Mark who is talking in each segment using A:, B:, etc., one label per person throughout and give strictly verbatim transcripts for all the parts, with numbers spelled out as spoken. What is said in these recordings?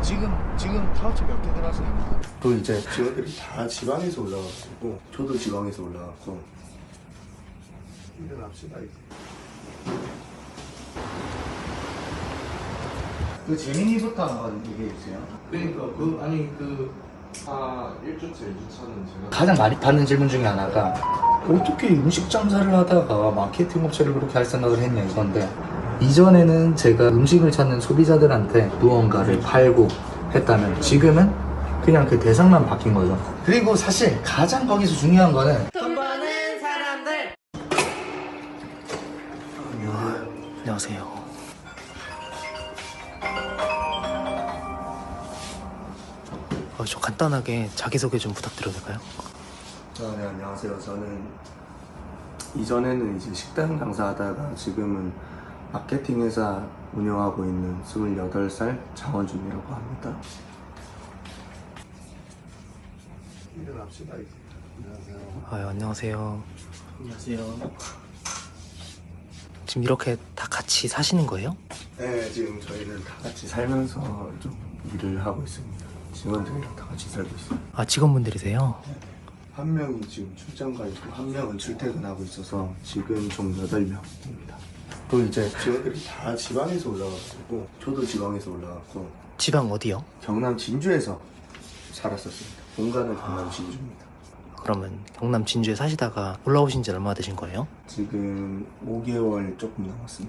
A: 지금 지금 타워치 몇 개 들어왔어요?
B: 또 이제 직원들이 다 지방에서 올라와가지고 저도 지방에서 올라왔고 일어납시다 이제. 그 재민이부터 한번 얘기해 주세요.
C: 그러니까 그 아니 그아 일 주차 이 주차는 제가
B: 가장 많이 받는 질문 중에 하나가 어떻게 음식 장사를 하다가 마케팅 업체를 그렇게 할 생각을 했냐 이건데, 이전에는 제가 음식을 찾는 소비자들한테 무언가를 팔고 했다면 지금은 그냥 그 대상만 바뀐 거죠. 그리고 사실 가장 거기서 중요한 거는
D: 돈 버는 사람들.
B: 안녕하세요.
D: 어, 저 간단하게 자기소개 좀 부탁드려도 될까요?
B: 아, 네, 안녕하세요. 저는 이전에는 이제 식당 장사하다가 지금은 마케팅 회사 운영하고 있는 스물여덟 살 장원준이라고 합니다. 일어납시다 이제. 안녕하세요.
D: 아, 안녕하세요.
B: 안녕하세요.
D: 지금 이렇게 다 같이 사시는 거예요?
B: 네, 지금 저희는 다 같이 살면서 좀 일을 하고 있습니다. 직원들이랑 다 같이 살고 있어요.
D: 아, 직원분들이세요?
B: 한 명이 지금 출장 가 있고 한 명은 출퇴근하고 있어서 지금 총 여덟 명입니다. 또 이제 직원들이 다 지방에서 올라와가지고 저도 지방에서 올라왔고.
D: 지방 어디요?
B: 경남 진주에서 살았었습니다. 본가는 경남 진주입니다.
D: 그러면 경남 진주에 사시다가 올라오신 지 얼마나 되신 거예요?
B: 지금 오 개월 조금 넘었습니다.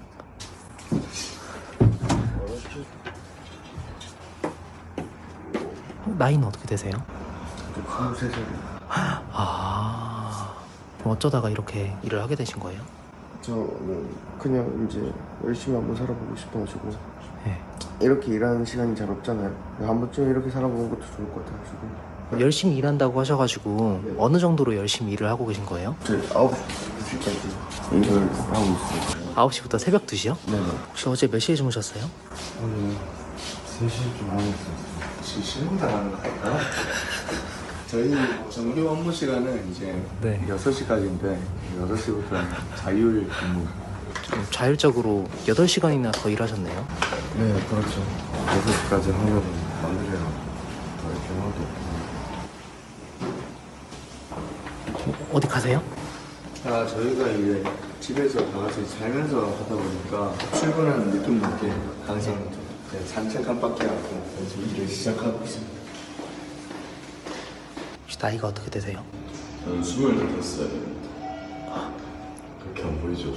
D: 나이는 어떻게 되세요?
B: 스물세 살이요.
D: 아, 그럼 어쩌다가 이렇게 일을 하게 되신 거예요?
E: 저는 그냥 이제 열심히 한번 살아보고 싶어가지고.
D: 네.
E: 이렇게 일하는 시간이 잘 없잖아요. 한 번쯤 이렇게 살아보는 것도 좋을 것 같아가지고.
D: 열심히 일한다고 하셔가지고
E: 네.
D: 어느 정도로 열심히 일을 하고 계신 거예요?
E: 저희 아홉 시까지 일을 하고 있어요.
D: 아홉 시부터 새벽 두 시요?
E: 네네.
D: 혹시 어제 몇 시에 주무셨어요?
E: 오늘 세 시 좀 하고 있어요.
B: 혹시 신고당하는 거 아닐까요? 저희 정규 업무 시간은 이제
D: 네.
B: 여섯 시까지인데 여섯 시부터는 자율 근무.
D: 좀 자율적으로 여덟 시간이나 더 일하셨네요.
E: 네, 그렇죠. 여섯 시까지 하면 마무리해야 더 이렇게 하고.
D: 어디 가세요?
B: 아, 저희가 이제 집에서 다 같이 살면서 하다 보니까 출근하는 느낌도 있게 항상 좀 그냥 산책 한 바퀴 하고 그래서 일을 시작하고 있습니다.
D: 혹시 나이가 어떻게 되세요?
C: 저는 스물다섯 살입니다. 그렇게 안 보이죠?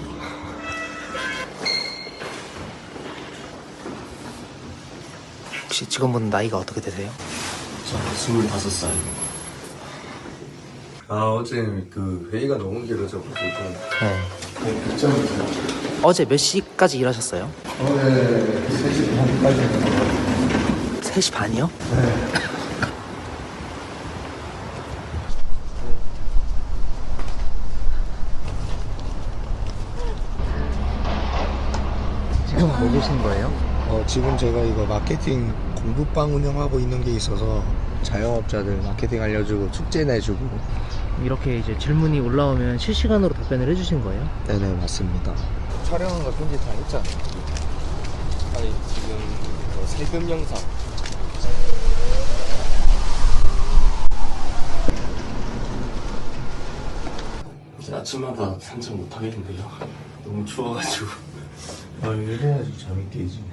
D: 혹시 직원분 나이가 어떻게 되세요?
C: 저는 스물다섯 살입니다.
B: 아, 어제 그 회의가 너무 길어져가지고
D: 네.
B: 네, 늦잠을 자요.
D: 어제 몇 시까지 일하셨어요?
B: 어제 세 시 반까지.
D: 세 시 반이요?
B: 네.
D: 지금 뭐 계신 거예요?
B: 어, 지금 제가 이거 마케팅 공부방 운영하고 있는 게 있어서 자영업자들 마케팅 알려주고 축제 내주고.
D: 이렇게 이제 질문이 올라오면 실시간으로 답변을 해주신 거예요?
B: 네네, 맞습니다.
A: 촬영한 거 편집 다 했잖아. 아니 지금 뭐 세금 영상.
C: 이제 아침마다 산책 못 하겠는데요. 너무 추워가지고.
B: 아, 이래야지 잠이 깨지.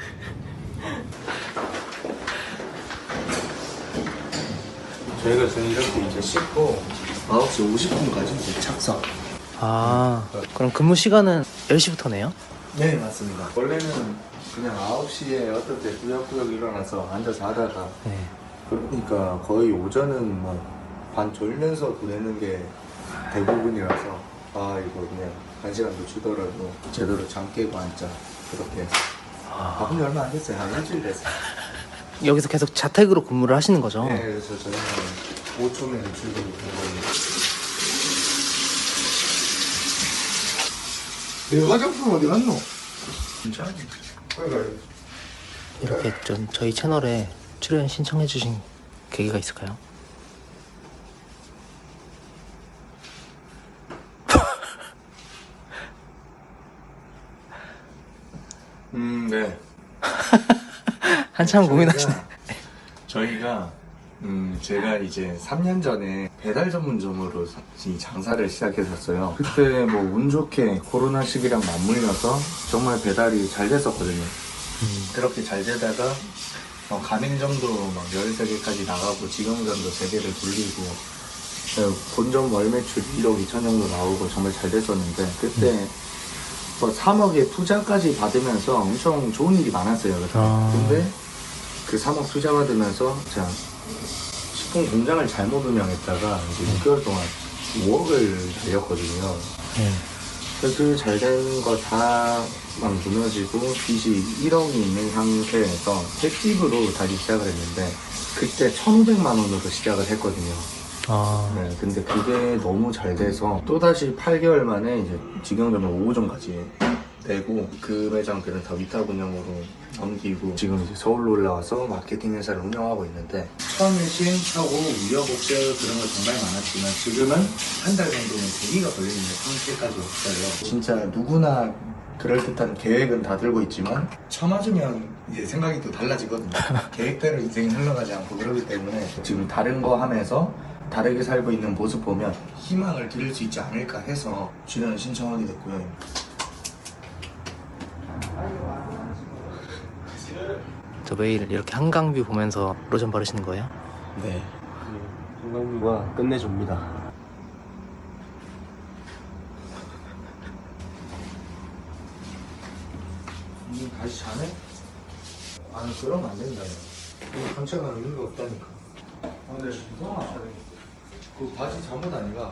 B: 저희가 지금 이렇게 이제 씻고 아홉 시 오십 분까지 이제 착석.
D: 아, 그럼 근무 시간은 열 시부터네요?
B: 네, 맞습니다. 원래는 그냥 아홉 시에 어떨 때 꾸역꾸역 일어나서 앉아서 하다가
D: 네.
B: 그러니까 거의 오전은 뭐 반 졸면서 보내는 게 대부분이라서 아, 이거 그냥 한 시간 늦추더라도 제대로 잠 깨고 앉자, 그렇게 해서.
D: 아,
B: 바꾼 지 얼마 안 됐어요. 한 일주일 됐어요.
D: 여기서 계속 자택으로 근무를 하시는 거죠?
B: 네, 그래서 저희는 오 초면 출근이 되거든요. 내 화장품 어디 갔노? 괜찮아.
D: 이렇게 좀 저희 채널에 출연 신청해주신 계기가 있을까요?
B: 음, 네.
D: 한참 고민하시네.
B: 저희가 음 제가 이제 삼 년 전에 배달 전문점으로 이 장사를 시작했었어요. 그때 뭐 운 좋게 코로나 시기랑 맞물려서 정말 배달이 잘 됐었거든요. 그렇게 잘 되다가 어, 가맹점도 막 열세 개까지 나가고 직영점도 세 개를 돌리고 어, 본점 월 매출 일억 이천 정도 나오고 정말 잘 됐었는데 그때 뭐 삼억의 투자까지 받으면서 엄청 좋은 일이 많았어요. 그때.
D: 아.
B: 근데 그 삼억 투자 받으면서 제가 식품 공장을 잘못 운영했다가 이제 육 개월 동안 오억을 날렸거든요.
D: 네.
B: 그 잘 된 거 다 막 무너지고 빚이 일억이 있는 상태에서 횟집으로 다시 시작을 했는데 그때 천오백만 원으로 시작을 했거든요.
D: 아,
B: 네, 근데 그게 너무 잘 돼서 또다시 팔 개월 만에 이제 직영점을 오 호점까지 내고 그 매장들은 다 위탁 운영으로 넘기고 지금 이제 서울로 올라와서 마케팅 회사를 운영하고 있는데 처음에 시행착오, 우여곡절 그런 거 정말 많았지만 지금은 한 달 정도는 대기가 걸리는 상태까지 왔어요. 진짜 누구나 그럴듯한 계획은 다 들고 있지만 쳐맞으면 이제 생각이 또 달라지거든요. 계획대로 인생이 흘러가지 않고 그러기 때문에 지금 다른 거 하면서 다르게 살고 있는 모습 보면 희망을 드릴 수 있지 않을까 해서 출연 신청하게 됐고요.
D: 저 매일 이렇게 한강뷰 보면서 로션 바르시는 거예요?
A: 네. 한강뷰가 끝내줍니다.
B: 니 다시 자네? 아니 그러면 안 된다. 이거 감체가 의미가 없다니까. 아 근데 이상하다. 그 바지 잠옷 아니가?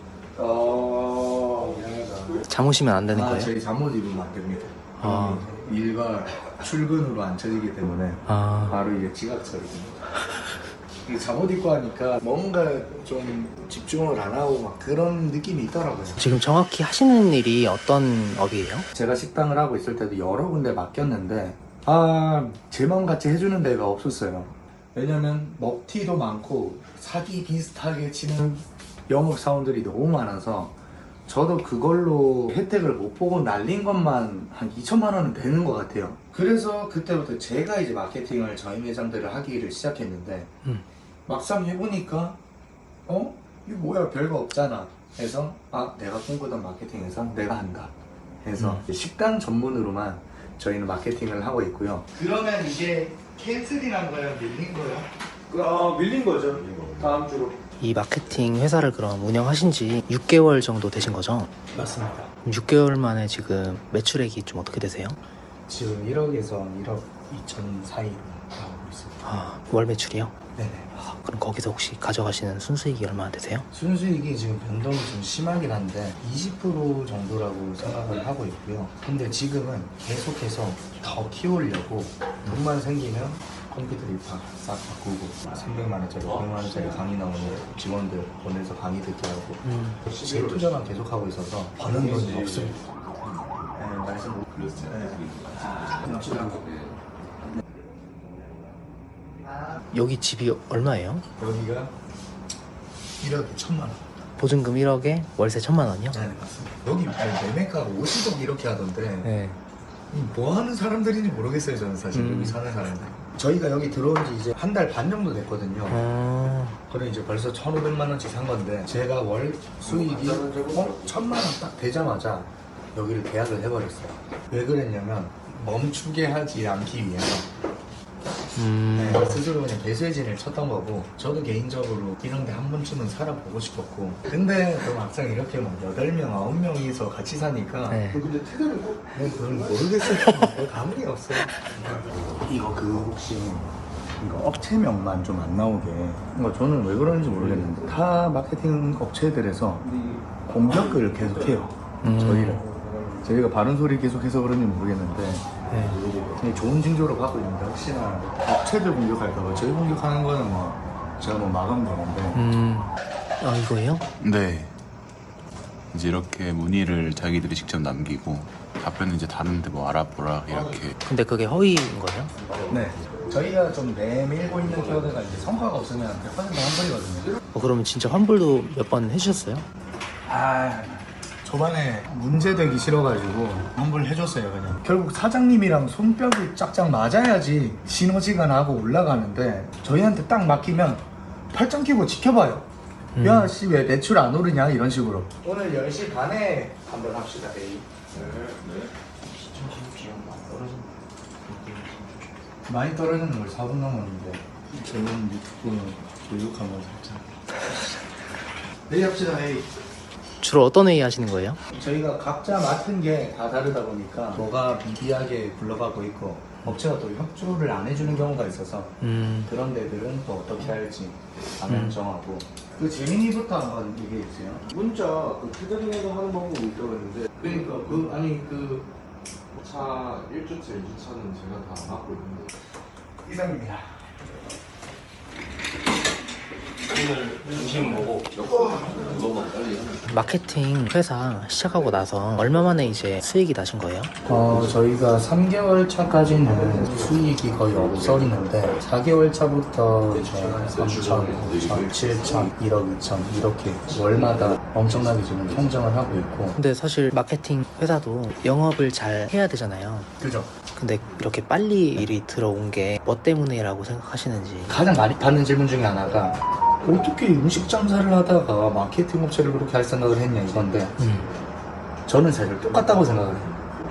B: 어... 미안하다.
D: 잠오시면 안 되는
B: 아
D: 거예요?
B: 저희 잠옷 입으면 안 됩니다.
D: 아.
B: 일과 출근으로 안 쳐지기 때문에
D: 아,
B: 바로 이게 지각 처리됩니다. 이 잠옷 입고 하니까 뭔가 좀 집중을 안 하고 막 그런 느낌이 있더라고요.
D: 지금 정확히 하시는 일이 어떤 업이에요?
B: 제가 식당을 하고 있을 때도 여러 군데 맡겼는데 아, 제 마음같이 해주는 데가 없었어요. 왜냐면 먹튀도 많고 사기 비슷하게 치는 영업사원들이 너무 많아서 저도 그걸로 혜택을 못 보고 날린 것만 한 이천만 원은 되는 것 같아요. 그래서 그때부터 제가 이제 마케팅을 저희 매장들을 하기를 시작했는데
D: 음.
B: 막상 해보니까 어? 이거 뭐야 별거 없잖아 해서 아 내가 꿈꾸던 마케팅 회사 내가 한다 해서
D: 음.
B: 식당 전문으로만 저희는 마케팅을 하고 있고요. 그러면 이게 캔슬이란 거예요? 밀린 거예요?
A: 아, 밀린 거죠. 다음 주로.
D: 이 마케팅 회사를 그럼 운영하신 지 육 개월 정도 되신 거죠?
B: 맞습니다.
D: 육 개월 만에 지금 매출액이 좀 어떻게 되세요?
B: 지금 일억에서 일억 이천 사이로 나오고 있습니다.
D: 아, 월 매출이요?
B: 네네.
D: 아, 그럼 거기서 혹시 가져가시는 순수익이 얼마나 되세요?
B: 순수익이 지금 변동이 좀 심하긴 한데 이십 퍼센트 정도라고 생각을 하고 있고요. 근데 지금은 계속해서 더 키우려고 돈만 생기면 컴퓨터 입학 싹 바꾸고 삼백만 원짜리, 오백만 원짜리 강의 나오는 직원들 보내서 강의 듣게 하고
D: 음.
B: 제 투자만 계속하고 있어서 버는 돈이 없습니다. 네, 말씀 못 드렸어요.
D: 여기 집이 얼마예요?
B: 여기가 일억에 천만 원.
D: 보증금 일억에 월세 천만 원이요?
B: 네, 맞습니다. 여기 아니, 매매가가 오십억 이렇게 하던데
D: 네.
B: 뭐 하는 사람들인지 모르겠어요, 저는 사실
D: 음.
B: 여기 사는 사람들. 저희가 여기 들어온 지 이제 한 달 반 정도 됐거든요.
D: 아,
B: 그래 이제 벌써 천오백만 원씩 산 건데 제가 월 수익이 어? 천만 원 딱 되자마자 여기를 계약을 해버렸어요. 왜 그랬냐면 멈추게 하지 않기 위해서
D: 음.
B: 네, 스스로 그냥 배수진을 쳤던 거고 저도 개인적으로 이런 데 한 번쯤은 살아보고 싶었고 근데 또 막상 이렇게 막 여덟 명, 아홉 명이서 같이 사니까
D: 네.
A: 근데 퇴근은 꼭
B: 네, 그건 모르겠어요. 뭐 감이 없어요. 이거 그 혹시 이거 업체명만 좀 안 나오게. 그러니까 저는 왜 그러는지 모르겠는데 타 마케팅 업체들에서 공격을 계속해요.
D: 음.
B: 저희를. 저희가 바른 소리 계속해서 그런지 모르겠는데
D: 네.
B: 그냥 좋은 징조로 받고 있는데 혹시나 업체들 공격할까봐 저희 공격하는 거는 뭐 제가 뭐 마감되는데
D: 음. 아, 이거예요?
F: 네. 이제 이렇게 문의를 자기들이 직접 남기고 답변은 이제 다른데 뭐 알아보라 이렇게.
D: 근데 그게 허위인 거예요?
B: 네. 저희가 좀 내밀고 있는 키워드가 이제 성과가 없으면 백 퍼센트 환불이거든요.
D: 어, 그러면 진짜 환불도 몇 번 해주셨어요?
B: 아, 초반에 문제되기 싫어가지고 환불 해줬어요. 그냥 결국 사장님이랑 손뼉이 짝짝 맞아야지 시너지가 나고 올라가는데 저희한테 딱 맡기면 팔짱 끼고 지켜봐요.
D: 음.
B: 야 씨 왜 매출 안 오르냐 이런 식으로. 오늘 열 시 반에 한번 합시다. 에이. 많이 떨어지는 걸 사 분 넘었는데
A: 저는 유튜브 교육하면 살짝
B: 내일 합시다. 에이.
D: 주로 어떤 회의 하시는 거예요?
B: 저희가 각자 맡은 게 다 다르다 보니까 뭐가 미비하게 굴러가고 있고 업체가 또 협조를 안 해주는 경우가 있어서
D: 음,
B: 그런 데들은 또 어떻게 할지 방향 정하고. 그 재민이부터 한번 얘기해 주세요.
E: 문자 그 캐더링에서 하는 방법이 있다고 했는데
B: 그러니까 그 아니 그
E: 차 일 주차, 이 주차는 제가 다 맡고 있는데
B: 이상입니다.
C: 오늘 중심 뭐고?
E: 너무 빨리
D: 마케팅 회사 시작하고 나서 얼마 만에 이제 수익이 나신 거예요?
B: 어 저희가 삼 개월 차까지는 수익이 거의 없었는데 사 개월 차부터 이제 삼천, 오천, 칠천, 일억, 이천 이렇게 월마다 엄청나게 지금 성장을 하고 있고.
D: 근데 사실 마케팅 회사도 영업을 잘 해야 되잖아요.
B: 그죠?
D: 근데 이렇게 빨리 일이 들어온 게 뭐 때문이라고 생각하시는지.
B: 가장 많이 받는 질문 중에 하나가 어떻게 음식 장사를 하다가 마케팅 업체를 그렇게 할 생각을 했냐 이건데
D: 음.
B: 저는 사실 똑같다고 생각을 해요.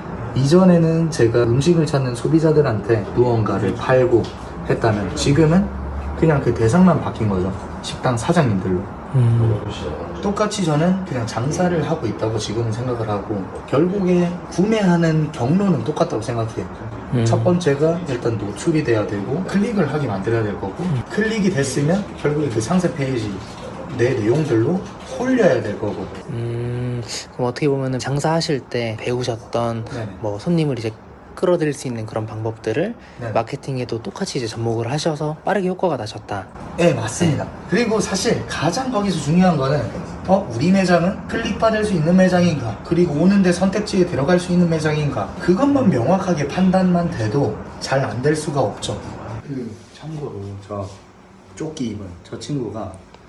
B: 이전에는 제가 음식을 찾는 소비자들한테 무언가를 팔고 했다면 지금은 그냥 그 대상만 바뀐 거죠. 식당 사장님들로.
D: 음.
B: 똑같이 저는 그냥 장사를 하고 있다고 지금은 생각을 하고 결국에 구매하는 경로는 똑같다고 생각해요.
D: 음.
B: 첫 번째가 일단 노출이 돼야 되고 클릭을 하게 만들어야 될 거고 클릭이 됐으면 결국에 그 상세 페이지 내 내용들로 홀려야 될 거고.
D: 음, 그럼 어떻게 보면은 장사하실 때 배우셨던
B: 네네.
D: 뭐 손님을 이제 끌어들일 수 있는 그런 방법들을
B: 네네.
D: 마케팅에도 똑같이 이제 접목을 하셔서 빠르게 효과가 나셨다.
B: 네, 맞습니다. 그리고 사실 가장 거기서 중요한 거는 어 우리 매장은 클릭받을 수 있는 매장인가, 그리고 오는데 선택지에 들어갈 수 있는 매장인가, 그것만 명확하게 판단만 돼도 잘 안 될 수가 없죠. 그 참고로 저 조끼 입은 저 친구가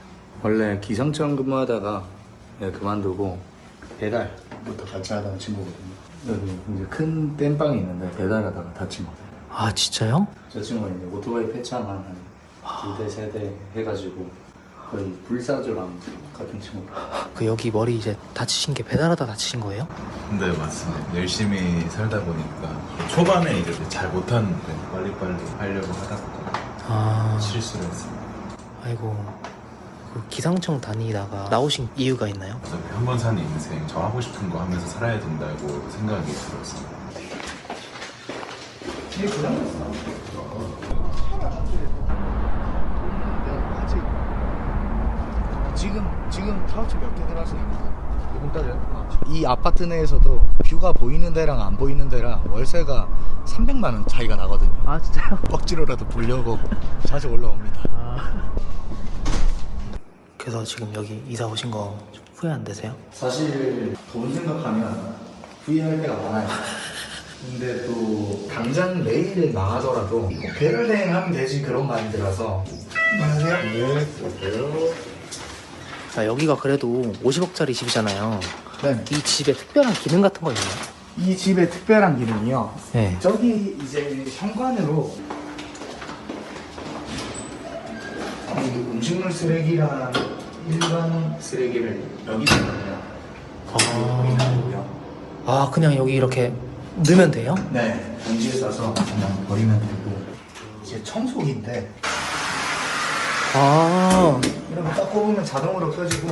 B: 원래 기상청 근무하다가 네, 그만두고 배달부터 같이 하다가 친구거든요. 여기 이제 큰 땜빵이 있는데 배달하다가 다친 거예요.
D: 아, 진짜요?
B: 저 친구가 이제 오토바이 폐차만 한 두 대, 세 대 해가지고 거의 불사조랑 같은 친구.
D: 그 여기 머리 이제 다치신 게 배달하다 다치신 거예요?
F: 네 맞습니다. 열심히 살다 보니까 초반에 이제 잘 못하는데 빨리빨리 하려고 하다가
D: 아,
F: 실수를 했습니다.
D: 아이고. 그 기상청 다니다가 나오신 이유가 있나요?
F: 그래서 한 번 사는 인생 저 하고 싶은 거 하면서 살아야 된다고 생각이 들었어요.
B: 지금 지금 타워치 몇 개 들어왔습니까? 조금 따져요. 이 아파트 내에서도 뷰가 보이는 데랑 안 보이는 데랑 월세가 삼백만 원 차이가 나거든요.
D: 아, 진짜요?
B: 억지로라도 보려고 자주 올라옵니다.
D: 아. 그래서 지금 여기 이사 오신 거 좀 후회 안 되세요?
B: 사실 돈 생각하면 후회할 때가 많아요. 근데 또 당장 내일에 나가더라도 배를 대행하면 되지 그런 마인드라서. 안녕하세요. 네, 그럴게요.
D: 자, 여기가 그래도 오십억짜리 집이잖아요.
B: 네.
D: 이 집에 특별한 기능 같은 거 있나요?
B: 이 집의 특별한 기능이요.
D: 네.
B: 저기 이제 현관으로 이 음식물 쓰레기랑 일반 쓰레기를 여기서 넣어요.
D: 아, 아, 그냥 여기 이렇게 넣으면 돼요?
B: 네, 봉지에 싸서 그냥 버리면 되고. 이제 청소기인데
D: 아,
B: 이렇게 딱 꼽으면 자동으로 켜지고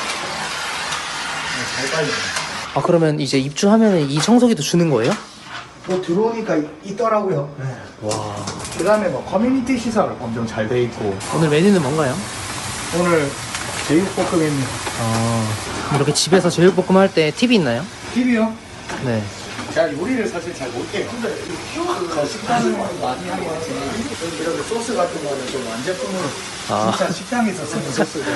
B: 잘 빨려요.
D: 아, 그러면 이제 입주하면 이 청소기도 주는 거예요?
B: 뭐 들어오니까 있더라고요. 네.
D: 와.
B: 그 다음에 뭐 커뮤니티 시설 엄청 잘 돼 있고.
D: 오늘 메뉴는 뭔가요?
B: 오늘 제육볶음입니다.
D: 아, 이렇게 집에서 제육볶음 할 때 팁이 있나요?
B: 팁이요?
D: 네.
B: 제가 요리를 사실 잘 못해요. 그 식당을 많이 하긴 하지만 이렇게 소스 같은 거는 좀 완제품으로
D: 아.
B: 진짜 식당에서 쓰는 소스거든.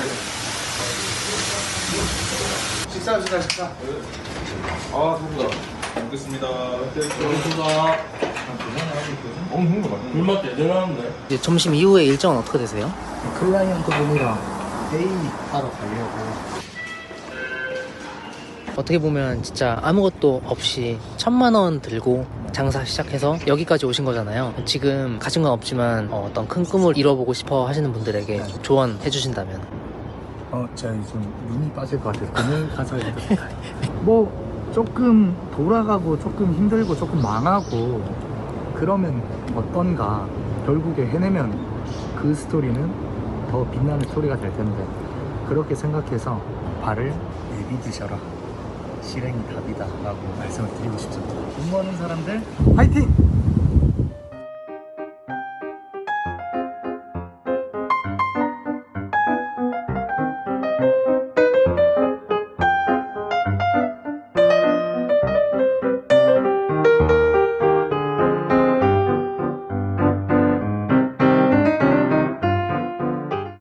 B: 식사합시다, 식사.
E: 아 누구다 먹겠습니다. 먹겠습니다. 어 먹는 거 맞는
C: 불맛 대단한데?
D: 이제 점심 이후에 일정은 어떻게 되세요?
B: 클라이언트 분이랑 회의 하러 가려고.
D: 어떻게 보면 진짜 아무것도 없이 천만 원 들고 장사 시작해서 여기까지 오신 거잖아요. 지금 가진 건 없지만 어, 어떤 큰 꿈을 이뤄보고 싶어 하시는 분들에게 조언해 주신다면?
B: 어, 제가 요즘 눈이 빠질 것 같아서 그늘 가서 이렇게 뭐 조금 돌아가고 조금 힘들고 조금 망하고 그러면 어떤가. 결국에 해내면 그 스토리는 더 빛나는 스토리가 될 텐데 그렇게 생각해서 발을 내비두셔라. 실행이 답이다 라고 말씀을 드리고 싶습니다. 공부하는 사람들 화이팅!